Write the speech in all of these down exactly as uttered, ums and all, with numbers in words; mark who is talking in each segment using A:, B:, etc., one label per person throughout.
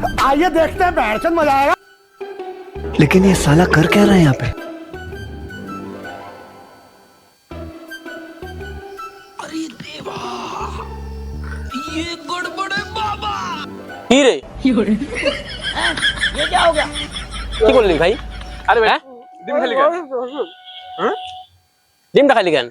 A: आइए देखते हैं बैठचंद मजा आएगा।
B: लेकिन ये साला कर क्या रहा है यहाँ पे?
C: अरे देवा, ये गड़बड़ है बाबा।
D: কি রে
C: ये क्या हो गया?
D: কি করলি ভাই?
E: আরে ভাই
D: হ্যাঁ
E: ডিম খালি কেন?
D: ডিমটা খালি কেন?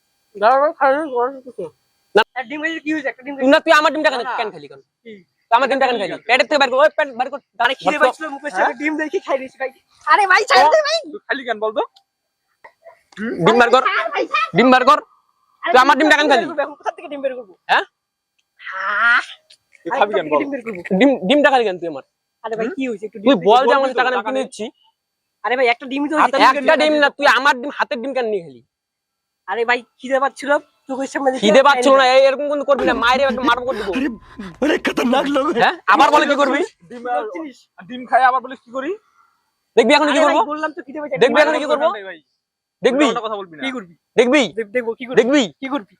C: ডিম খাইলে কি হয়েছে? একটা ডিম
D: তুই না তুই আমার ডিমটা কেন কেন খালি কেন? তুই আমার ডিমটা কেন খালি? পেটের থেকে বের কর, ওই পেট বের কর।
C: আরে খিদে পাচ্ছিল মুখের সামনে ডিম দেখি খাই দিয়েছি ভাই। আরে ভাই ছাড় দে ভাই।
E: তুই খালি কেন বলতো?
D: ডিম বের কর, ডিম বের কর। তুই আমার ডিমটা কেন খালি?
C: কোথা থেকে ডিম বের করব?
D: হ্যাঁ
E: তুই খাবি কেন বল?
C: ডিম বের করব।
D: ডিম ডিমটা খালি কেন তুই আমার?
C: আরে ভাই কি হয়েছে? একটু
D: তুই
C: ডিম
D: বল যে
E: বলবি
D: আমার
E: তো,
D: টাকা আমি
E: টাকা
D: কিনে
E: নেই।
D: দিচ্ছি।
C: আরে ভাই একটা ডিমই তো হয়েছে।
D: একটা ডিম না, তুই আমার ডিম হাতের ডিম কেন নিয়ে খালি?
C: আরে ভাই খিদে পাচ্ছিল চোখের সামনে দেখি
D: খিদে পাচ্ছিল না, এই এরকম কোন করবি না, মাইরে একটা মারব করে দেবো।
B: बड़े खतरनाक लोग हैं।
D: হ্যাঁ আবার বলে কি করবি?
E: ডিম আর- ডিম খাই আবার বলিস কি করি?
D: দেখবি এখন কি
C: আরে ভাই
D: করবো?
C: বললাম তো খিদে পাচ্ছে।
D: দেখবি এখন কি করবো?
E: নাই ভাই,
D: দেখবি
E: উল্টো কথা বলবি না।
C: কি করবি?
D: দেখবি
C: দেখ দেখবো কি করবি?
D: দেখবি
C: কি করবি?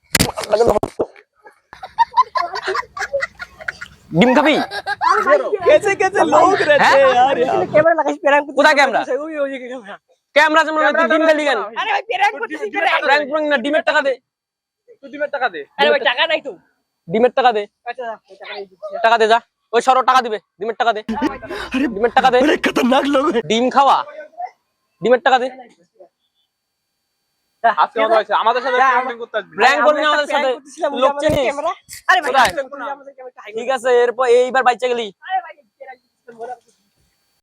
D: ডিম খাবি?
B: कैसे कैसे लोग रहते हैं यार यार।
C: ক্যামেরা লাগাইস প্র্যাঙ্ক করতে।
D: কোথায় ক্যামেরা?
C: ওই ওই যে ক্যামেরা।
D: ক্যামেরা যেমন তুই ডিম খালি কেন?
C: আরে ভাই প্র্যাঙ্ক করতেছিস প্র্যাঙ্ক।
D: প্র্যাঙ্ক প্র্যাঙ্ক না, ডিমের টাকা দে,
E: তুই ডিমের টাকা দে।
C: আরে ভাই টাকা নাই তো।
D: ডিমের টাকা দে,
C: আচ্ছা টাকা নাই দিচ্ছি।
D: টাকা দে যা। ওই সরো টাকা দিবে, ডিমের টাকা দে, ডিমের টাকা দে।
B: बड़े खतरनाक लोग हैं।
D: ডিম খাওয়া, ডিমের টাকা দে।
E: আজকে মতো হয়েছে আমাদের সাথে প্র্যাঙ্ক করতে আসবি।
D: প্র্যাঙ্ক করবি না আমাদের সাথে, লোক চিনিস?
C: ক্যামেরা। আরে ভাই
D: কোথায়?
C: আমাদের ক্যামেরা
D: ঠিক আছে, এরপর এইবার বাইচা গেলি।
C: আরে ভাই প্র্যাঙ্ক করতেছিলাম, বলা